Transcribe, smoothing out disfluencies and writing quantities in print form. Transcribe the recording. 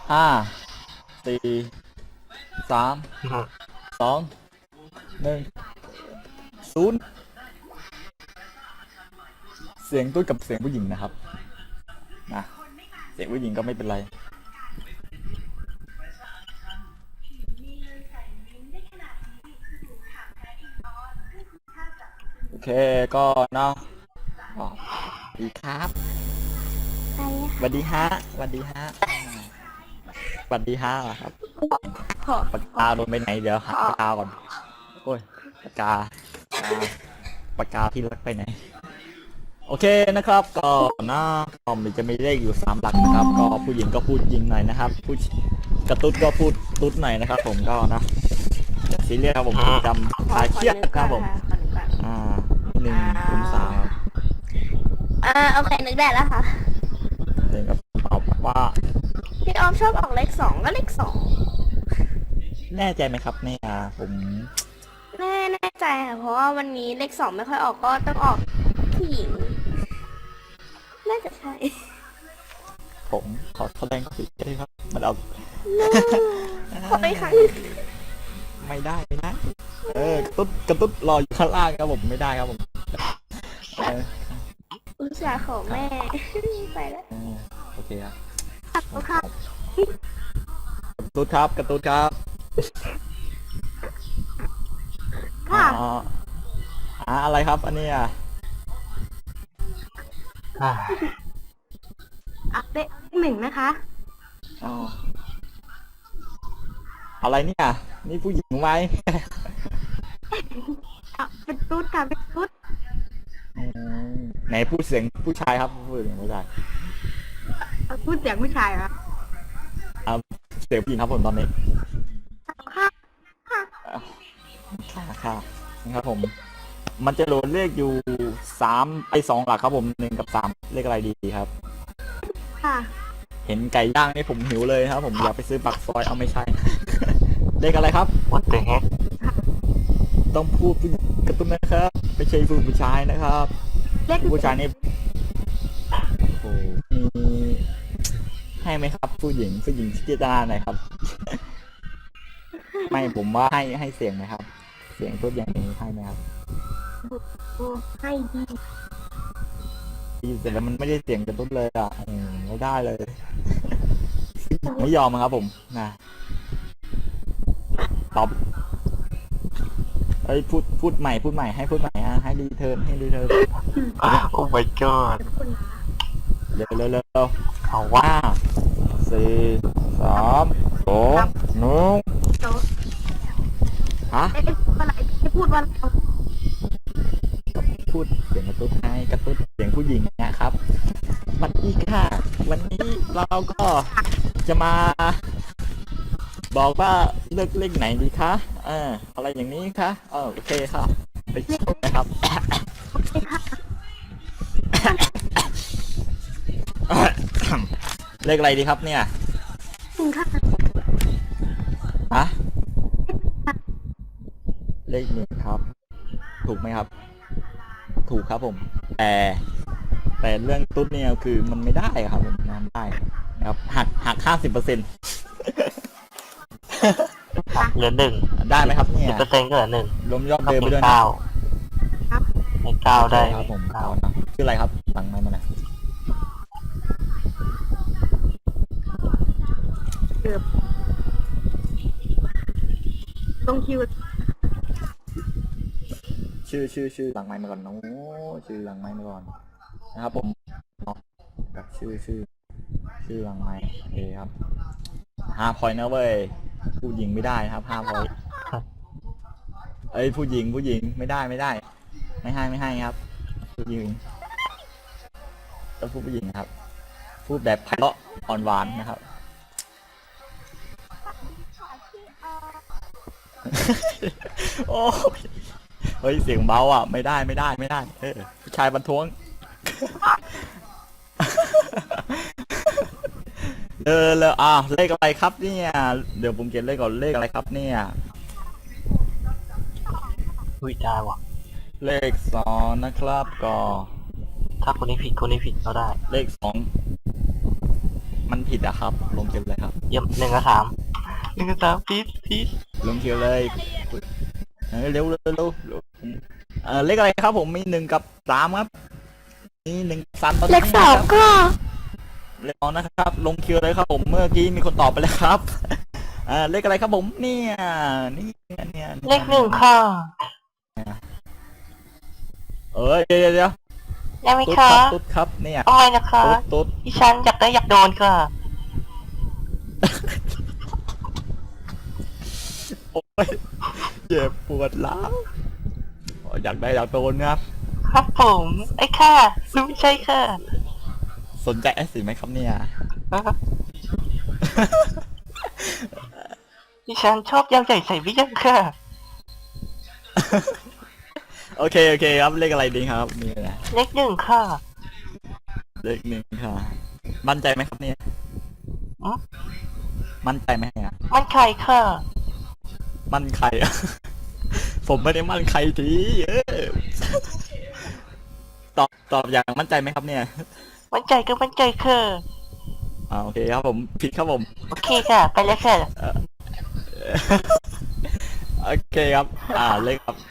ห้าสี่สามสองหนึ่งศูนย์เสียงตุ้ยกับเสียงผู้หญิงนะครับนะเสียงผู้หญิงก็ไม่เป็นไรโอเคก็เนาะสวัสดีครับสวัสดีฮะสวัสดีฮะสวัสดีฮะครับปากกาโดนไปไหนเดี๋ยวหาปากกาก่อนโอ้ยปากกาที่รักไปไหนโอเคนะครับก็นะก็มันจะมีเลขอยู่3หลักนะครับก็ผู้หญิงก็พูดยิงหน่อยนะครับผู้กระตุ้ดก็พูดตุ๊ดหน่อยนะครับผมก็นะซีเรียสครับผมจำคลายเครียดครับผม103 โอเคนึกได้แล้วค่ะเองก็ตอบว่าพี่ออมชอบออกเลข2ก็เลขแน่ใจไหมครับเนี่ยผม 2แน่ใจค่ะเพราะว่าวันนี้เลข2ไม่ค่อยออกก็ต้องออกผู้หญิงน่าจะใช่ผมขอแสดงความเสียใจครับมันเอาขอไปครั้งไม่ได้กระตุ้ดรออยู่ข้างล่างครับผมไม่ได้ครับผมอุตส่าห์ขอแม่ไปแล้วโอเคครับขอบคุณค่ะกระตุ้ดครับค่ะอะไรครับอันนี้เลข1นะคะอะไรเนี่ยนี่ผู้หญิงไหมเป็นตุ๊ดค่ะเป็นตุ๊ดไหนพูดเสียงผู้ชายครับพูดเสียงผู้ชายพูดเสียงผู้ชายเหรอเสียงผู้หญิงครับผมตอนนี้ค่ะนะครับผมมันจะโหลดเลขอยู่2หลักครับผม1กับ3เลขอะไรดีครับค่ะเห็นไก่ย่างนี่ผมหิวเลยครับผมอยากไปซื้อปักซอยเอาไม่ใช่ เลขอะไรครับ What the heck ต้องพูดกระตุ้นนะครับไม่ใช่ผู้ชายนะครับผู้ชายนี่โอ้มีให้ไหมครับผู้หญิงพิจารณาหน่อยครับ ไม่ผมว่าให้เสียงไหมครับเสียงตัวอย่างนี้ให้ไหมครับให้ดีเสร็จแล้วมันไม่ได้เสียงกระตุ้นเลยไม่ได้เลย ไม่ยอมครับผมนะตอบพูดใหม่ให้พูดใหม่ให้รีเทิร์นโอ้ my god เร็วเอาว่า4 3 2 1ฮะพูดว่าพูดเสียงกระตุ้นให้กระตุ้นเสียงผู้หญิงนะครับวันนี้ค่ะวันนี้เราก็จะมาบอกว่าเลือกเลขไหนดีคะอะไรอย่างนี้คะโอเคค่ะไปชมนะครับเลขอะไรดีครับเนี่ยเลข1ครับถูกไหมครับถูกครับผมแต่เรื่องตุ๊ดเนี่ยคือมันไม่ได้ครับผมทำได้นะครับหัก50% เหลือ1 ได้ไหมครับเนี่ย 10%ก็เหลือ1 รวมยอดเดิมไปด้วยนะใน9ได้ครับผม9นะชื่ออะไรครับสั่งมาหน่อยต้องคิวชื่อหลังไมค์มาก่อนน้องชื่อหลังไมค์มาก่อนนะครับผมกับชื่อหลังไมค์โอเคครับ5 พอยต์นะเว้ยผู้หญิงไม่ได้นะครับ5 พอยต์ผู้หญิงไม่ได้ไม่ให้ครับผู้หญิงต้องพูดผู้หญิงครับพูดแบบไพเราะอ่อนหวานนะครับโอ้เฮ้ยเสียงเบาไม่ได้ผู้ชายบรรท้วงแล้วเลขอะไรครับเนี่ยเดี๋ยวผมเขียนเลขก่อนเลขอะไรครับเนี่ยได้ว่ะเลข2นะครับก็ถ้าคนนี้ผิดก็ได้เลข2 มันผิดอะครับ ลงคิวเลยครับเยี่ยม1 กับ 3พีชลงคิวเลยเร็วเร็วเร็วเร็วเลขอะไรครับผมมี1 กับ 3ครับมี1 3ตอนเลนี้ขสองก็เลข2นะครับ ลงคิวเลยครับผมเมื่อกี้มีคนตอบไปแล้วครับเลขอะไรครับผมเนี่ยเนี่ยเลข 1ค่ะเดี๋ยวได้ไหมตุ๊ดคะครับตุ๊ดครับเนี่ยเอาไงนะคะตุ๊ดดิฉันอยากโดนค่ะโอ้ยเจ็บปวดหล้าวอยากโดนครับครับผมไอ้ค่ะรู้ใช่ค่ะสนใจไอ้สิไหมครับเนี่ยดิฉันชอบยำใหญ่ใส่วิยังค่ะโอเคครับเลขอะไรดีครับนี่นะเลข 1ค่ะเลข1ค่ะมั่นใจไหมครับเนี่ยอืมมั่นใจไหมเนี่ยมันไข่ค่ะมั่นใครอะ ผมไม่ได้มั่นใครทีตอบอย่างมั่นใจไหมครับเนี่ยมันใจก็มันใจค่ะโอเคครับผมผิดครับผมโอเคค่ะ ไปแล้วค่ะโอเคครับเลขครับ